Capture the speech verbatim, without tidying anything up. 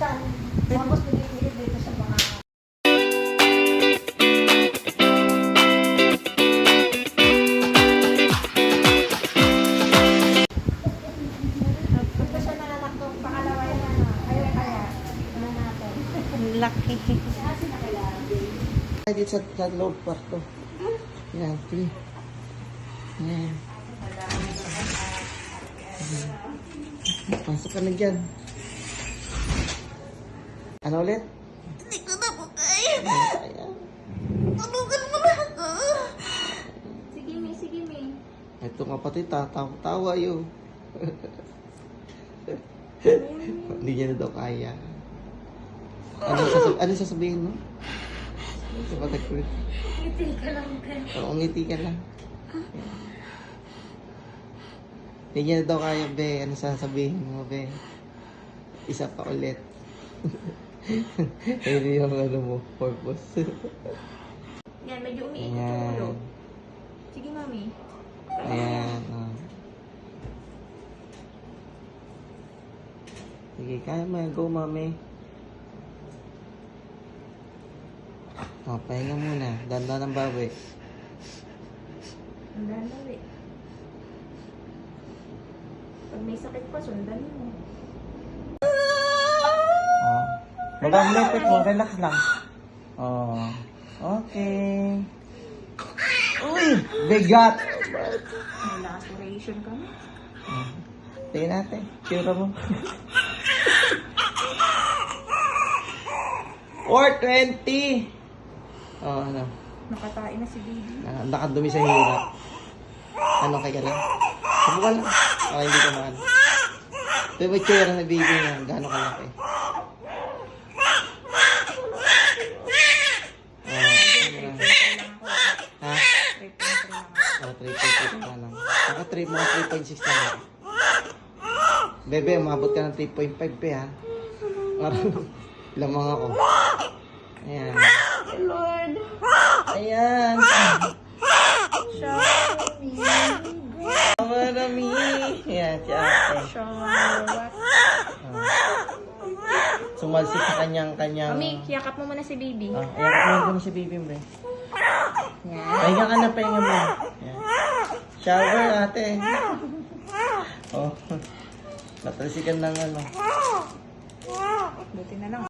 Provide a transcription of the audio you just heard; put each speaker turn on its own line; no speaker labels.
siya. Tapos pinipilip dito sa mga... Ito siya nanganak ng pangalawa yan. Ano. Kaya kaya. Ano natin.
Laki.
Dito sa, sa loob kwarto. Yan, three. Yan. Pasok ka na dyan. Ano ulit?
Hindi ko na po kaya.
Kaya.
Tulungan mo na ako. Sige, May. Sige, May.
Ito kapatid, tatawa-tawa yun. Hindi niya na daw kaya. Ano, sasab ano sasabihin mo? Sa patagpulit.
Ngiti ka lang, Ben.
Oo, ngiti ka lang. Hindi niya na daw kaya, be. Ano sasabihin mo, be? Isa pa ulit. Ayun yung ano mo, purpose.
Yan, medyo umiikot yung
Ayan.
ulo. Sige, Mami.
Ayan. Oh. Sige, kaya mo. Go, mami. O, pahinga muna. Dandan ng bawi.
Ang dalawi. Pag may sakit pa, sundan mo.
Oh. Magang lepit mo. Relax lang. Oh. Okay. Uy! Bigat!
May laceration ka na.
Oh. Tingnan natin. Tsura mo. four twenty! Oh, ano?
Nakatain na si Baby.
Na, nakadumi sa hirap. Ano kaya lang? Subukan lang. Okay, hindi ka maan. Ito yung tsura na baby niya. Gano'ng kalaki. Oh, ano lang. Ha?
three point three lang ako.
Oh, three point six pa lang. Saka three, mga three point six na lang. Bebe, umabot ka ng three point five pe ha. Parang lamang ako. Ayan.
Lord!
Ayan.
Show me.
Marami. Ayan, si ate.
Show me what?
Oh. Sumalsik sa kanyang kanyang...
Mami, yakap mo muna si Baby.
Oh, ayan, ko na si baby mo.
Yan.
Pahinga ka na, pahinga mo. Ayan. Shower, ate. Oh. Natalsikan ng ano.
Buti na lang.